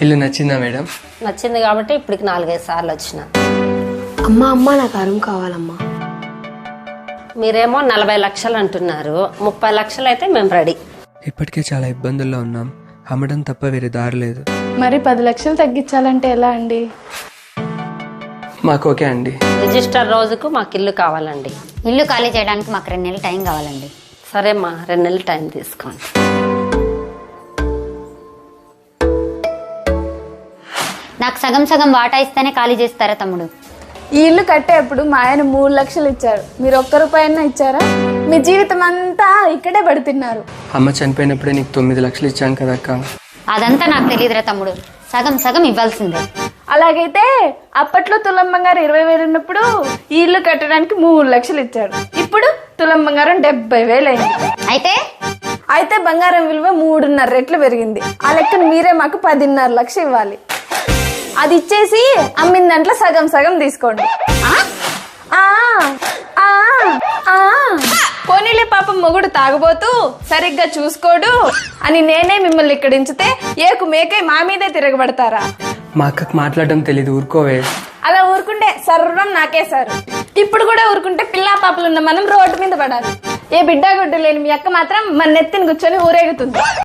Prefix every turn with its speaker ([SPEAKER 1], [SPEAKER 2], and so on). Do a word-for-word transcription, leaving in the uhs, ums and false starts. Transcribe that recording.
[SPEAKER 1] ఇల్లు నచ్చిందా మేడం?
[SPEAKER 2] నచ్చింది కాబట్టి ఇప్పటికి నాలుగైదు సార్లు వచ్చిన.
[SPEAKER 3] అమ్మా అమ్మా నాకు అరుం కావాలమ్మా.
[SPEAKER 2] మీరేమో నలభై లక్షలు అంటున్నారు, ముప్పై లక్షలు అయితే మేము రెడీ.
[SPEAKER 1] ఇప్పటికే చాలా ఇబ్బందుల్లో ఉన్నాం, అమ్మడం తప్ప వేరే దారి లేదు.
[SPEAKER 4] మరి పది లక్షలు తగ్గించాలంటే ఎలా అండి?
[SPEAKER 1] మాకు ఓకే అండి.
[SPEAKER 2] రిజిస్టర్ రోజుకు మాకు ఇల్లు కావాలండి.
[SPEAKER 5] ఇల్లు ఖాళీ చేయడానికి మాకు రెండు నెలలు టైం కావాలండి.
[SPEAKER 2] సరేమ్మా, రెండు నెలలు టైం తీసుకోండి.
[SPEAKER 5] నాకు సగం సగం వాటా ఇస్తేనే ఖాళీ చేస్తారా తమ్ముడు?
[SPEAKER 4] ఈ ఇల్లు కట్టేప్పుడు మా ఆయన మూడు లక్షలు ఇచ్చారు, మీరు ఒక్క రూపాయన్నా ఇచ్చారా? మీ జీవితం అంతా ఇక్కడే పడుతున్నారు.
[SPEAKER 1] అమ్మ చనిపోయినప్పుడే నీకు తొమ్మిది లక్షలు ఇచ్చాను కదా అక్క.
[SPEAKER 5] అదంతా నాకు తెలియదురా తమ్ముడు, సగం సగం ఇవ్వాల్సిందే.
[SPEAKER 4] అలాగైతే అప్పట్లో తులం బంగారం ఇరవై వేలు ఉన్నప్పుడు ఈ ఇల్లు కట్టడానికి మూడు లక్షలు ఇచ్చాడు. ఇప్పుడు తులం బంగారం డెబ్బై వేలు అయింది.
[SPEAKER 5] అయితే
[SPEAKER 4] అయితే బంగారం విలువ మూడున్నర రెట్లు పెరిగింది. ఆ లెక్కను మీరే మాకు పదిన్నర లక్ష ఇవ్వాలి. అది ఇచ్చేసి అమ్మిన దాంట్లో సగం సగం తీసుకోండి. ఆ ఆ ఆ పోనీలే, పాపం మొగుడు తాగుబోతూ సరిగ్గా చూసుకోడు అని నేనే మిమ్మల్ని ఇక్కడ ఉంచితే ఏకు మేకే మా మీదే తిరగబడతారా?
[SPEAKER 1] మా అక్కకు మాట్లాడడం తెలీదు, ఊరుకోవే.
[SPEAKER 4] అలా ఊరుకుంటే సర్వం నాకేశారు. ఇప్పుడు కూడా ఊరుకుంటే పిల్లా పాపలున్న మనం రోడ్డు మీద పడాలి. ఏ బిడ్డ గుడ్డు లేని మీ అక్క మాత్రం మన నెత్తిని కూర్చొని ఊరేగుతుంది.